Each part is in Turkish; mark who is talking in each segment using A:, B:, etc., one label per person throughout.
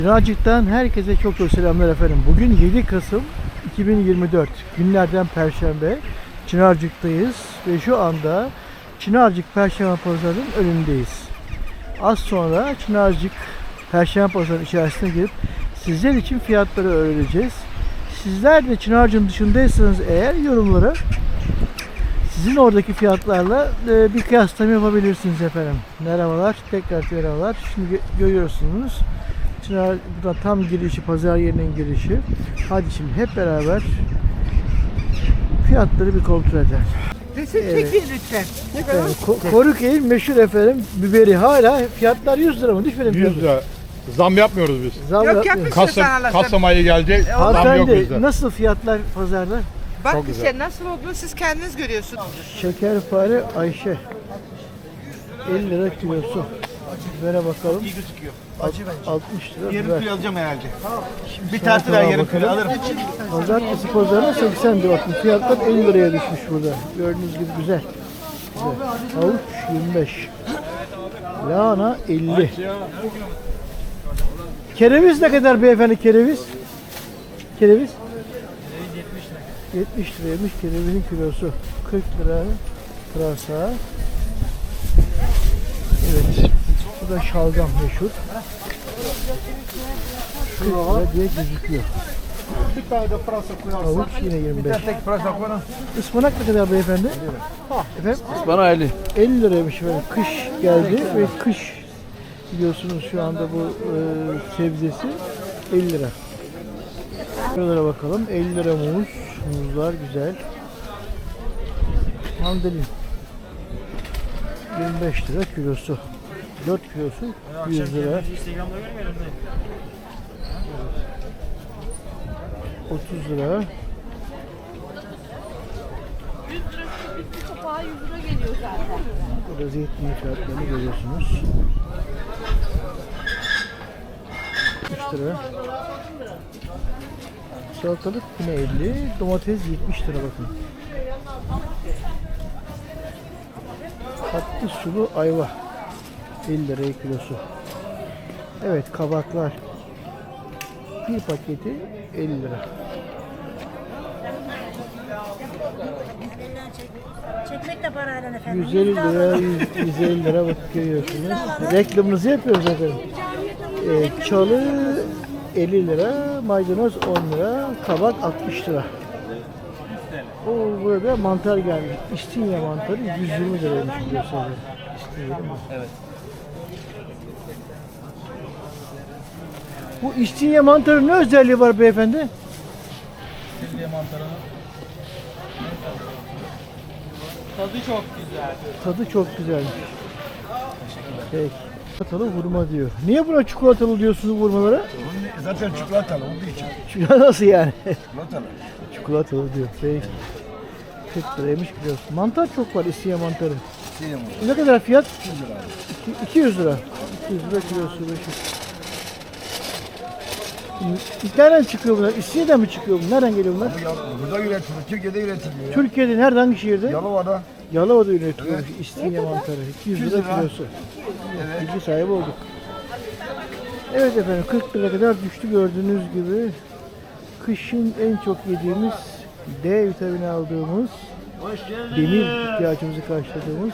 A: Çınarcık'tan herkese çok çok selamlar efendim. Bugün 7 Kasım 2024 günlerden Perşembe. Çınarcık'tayız ve şu anda Çınarcık Perşembe Pazarı'nın önündeyiz. Az sonra Çınarcık Perşembe Pazarı'nın içerisine girip sizler için fiyatları öğreneceğiz. Sizler de Çınarcık'ın dışındaysanız eğer yorumlara sizin oradaki fiyatlarla bir kıyaslama yapabilirsiniz efendim. Merhabalar, tekrar merhabalar. Şimdi görüyorsunuz. Çınar, bu da tam girişi, pazar yerinin girişi. Hadi şimdi hep beraber fiyatları bir kontrol edelim.
B: Resim çekin lütfen.
A: Efendim, Koruköy'ün meşhur efendim biberi hala fiyatlar 100 lira mı? Düşmedim
C: 100 lira. Zam yapmıyoruz biz.
A: Zam
B: Yok,
A: yapmıyoruz.
B: yapmışsın.
C: Kasım ayı gelecek. Zam yok
A: Hanımefendi
C: bizde.
A: nasıl fiyatlar pazarda?
B: Bak
C: Çok
B: işte nasıl olduğunu siz kendiniz görüyorsunuz.
A: Şekerpare Ayşe 50 lira kilosu. Bibere bakalım.
D: İyi gözüküyor.
A: 60 lira
D: Yarım
A: biber.
D: kilo alacağım herhalde. Bir
A: Salatalığa
D: tartı daha yarım
A: bakalım.
D: kilo alırım.
A: Pazartesi pazarına 80 lira. Bakın fiyatlar 50 liraya düşmüş burada. Gördüğünüz gibi güzel. Havuç 25. Lahana 50. Kereviz ne kadar beyefendi kereviz? Kereviz? 70 liraymış kerevizin kilosu. 40 lira pırasa. Evet. Bu da şalgam meşhur. 40 lira diye gözüküyor.
D: Bir tane de pırasa koyarsın.
A: Havuç yine 25.
D: Tek pırasa koyalım.
A: Ispanak ne kadar beyefendi? Efendim?
D: Bana 50.
A: 50 liraymış efendim. Kış geldi ve kış biliyorsunuz şu anda bu sebzesi 50 lira. Şuralara bakalım. 50 lira muz. Muzlar güzel. Mandalin 25 lira kilosu. 4 kilosu 100 lira. 30 lira.
E: 100 lira bir kapağı 100 lira geliyor zaten.
A: Burada zeytinyağı fiyatlarını görüyorsunuz. 3 lira. Salatalık yine 50. Domates 70 lira bakın. Tatlı sulu ayva 50 liraya kilosu. Evet kabaklar. Bir paketi 50 lira.
F: Çekmek de parayla efendim.
A: 150 lira, 150 lira bak görüyorsunuz. Reklamınızı yapıyoruz efendim. Çalı 50 lira, maydanoz 10 lira, kabak 60 lira. O burada mantar gelmiş. İstinye mantarı 120 liraymış kilosu. İstinye değil mi?
D: Evet.
A: Bu İstinye mantarı ne özelliği var beyefendi?
D: Sildiği mantarının tadı çok güzel.
A: Tadı çok güzelmiş. Peki. Çikolatalı hurma diyor. Niye buna çikolatalı diyorsunuz hurmalara?
D: Zaten çikolatalı olduğu için.
A: Çikolata nasıl yani?
D: Çikolatalı.
A: Çikolatalı diyor. Peki. 40 liraymış kilosu. Mantar çok var İstinye mantarı.
D: Sildiği mantar.
A: Ne kadar fiyat?
D: 200 lira.
A: 200 lira. 200 lira kilosu. Nereden çıkıyor bunlar? İstinye'den mi çıkıyor bunlar? Nereden geliyor bunlar?
D: Bu ya, burada üretiliyor. Türkiye'de üretiliyor ya.
A: Türkiye'de nerede? Hangi şehirde?
D: Yalova'da.
A: Yalova'da üretiliyormuş İstinye mantarı. 200 lira
D: 200 lira.
A: kilosu. Bilgi sahibi olduk. Evet efendim 40 lira kadar düştü gördüğünüz gibi. Kışın en çok yediğimiz D vitamini aldığımız demir ihtiyacımızı karşıladığımız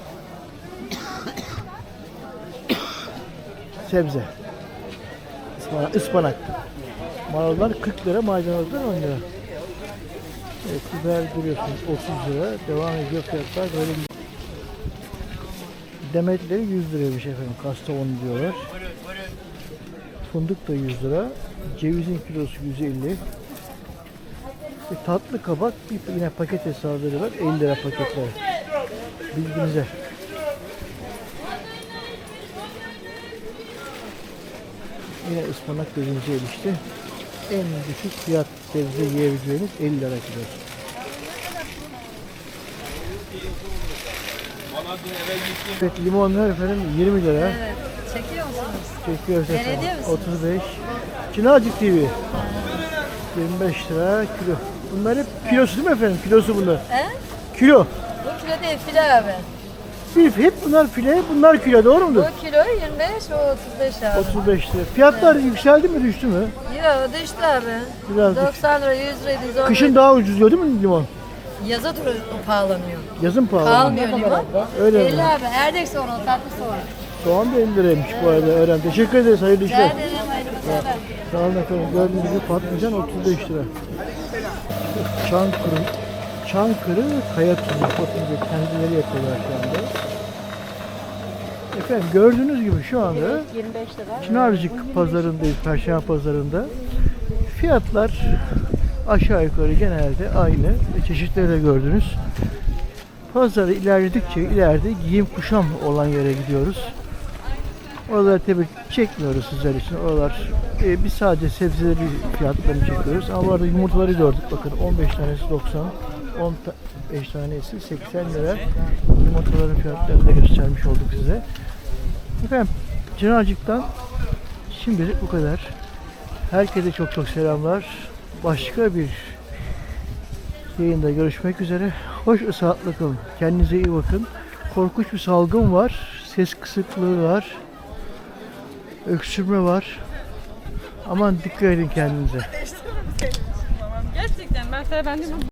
A: sebze. Ispanak. Marullar 40 lira, maydanozlar 10 lira. Evet, biber görüyorsunuz 30 lira. Devam ediyor fiyatlar böyle. Demetleri 100 liraymış efendim. Kastamonu diyorlar. Fındık da 100 lira. Cevizin kilosu 150. Tatlı kabak yine paket hesabları var. 50 lira paketler. Bilginize. Yine ıspanak gözümüze ilişti. En düşük fiyat sebze yiyebileceğiniz 50 lira kilosu. Evet limonlar efendim 20 lira.
E: Evet. Çekiyor musunuz?
A: Çekiyoruz efendim.
E: Belediye misiniz?
A: 35. Çınarcık TV. 25 lira kilo. Bunlar hep kilosu değil mi efendim? Kilosu bunlar.
E: He?
A: Kilo.
E: Bu kilo değil file abi.
A: Hep bunlar file, bunlar kilo, doğru mudur?
E: Bu kilo 25, o 35 abi.
A: 35 lira. Fiyatlar yükseldi mi, düştü mü?
E: Yok düştü abi.
A: Biraz düştü.
E: 90 lira, 100 lira, 110
A: Kışın
E: lira.
A: daha ucuz değil mi limon?
E: Yaza turu pahalanıyor.
A: Yazın pahalı.
E: Kalmıyor limon.
A: Öyle
E: 50
A: mi?
E: abi. Erdek sonra, tatlı sonra.
A: Soğan da 50 liraymış bu arada öğren. Teşekkür ederiz, hayırlı
E: Rica
A: işler.
E: ederim. Hayırlı işler.
A: Sağ olun efendim. Gördüğünüz gibi patlıcan 35 lira. Çankırı kaya tuzu. Bakın kendileri yapıyorlar şu anda. Efendim gördüğünüz gibi şu anda
E: 25 lira.
A: Çınarcık pazarındayız, Perşembe pazarında. Fiyatlar aşağı yukarı genelde aynı. Çeşitleri de gördünüz. Pazarı ilerledikçe ileride giyim kuşam olan yere gidiyoruz. Oraları tabii çekmiyoruz sizler için. Oralar biz sadece sebzeleri fiyatlarını çekiyoruz. Ama bu arada yumurtaları gördük. Bakın 15 tanesi 90, 15 tanesi 80 lira. Yumurtaların fiyatlarını da göstermiş olduk size. Efendim Çınarcık'tan şimdilik bu kadar. Herkese çok çok selamlar. Başka bir yayında görüşmek üzere. Hoş ve sağlıklı kalın. Kendinize iyi bakın. Korkunç bir salgın var. Ses kısıklığı var. Öksürme var. Aman dikkat edin kendinize.
E: Gerçekten ben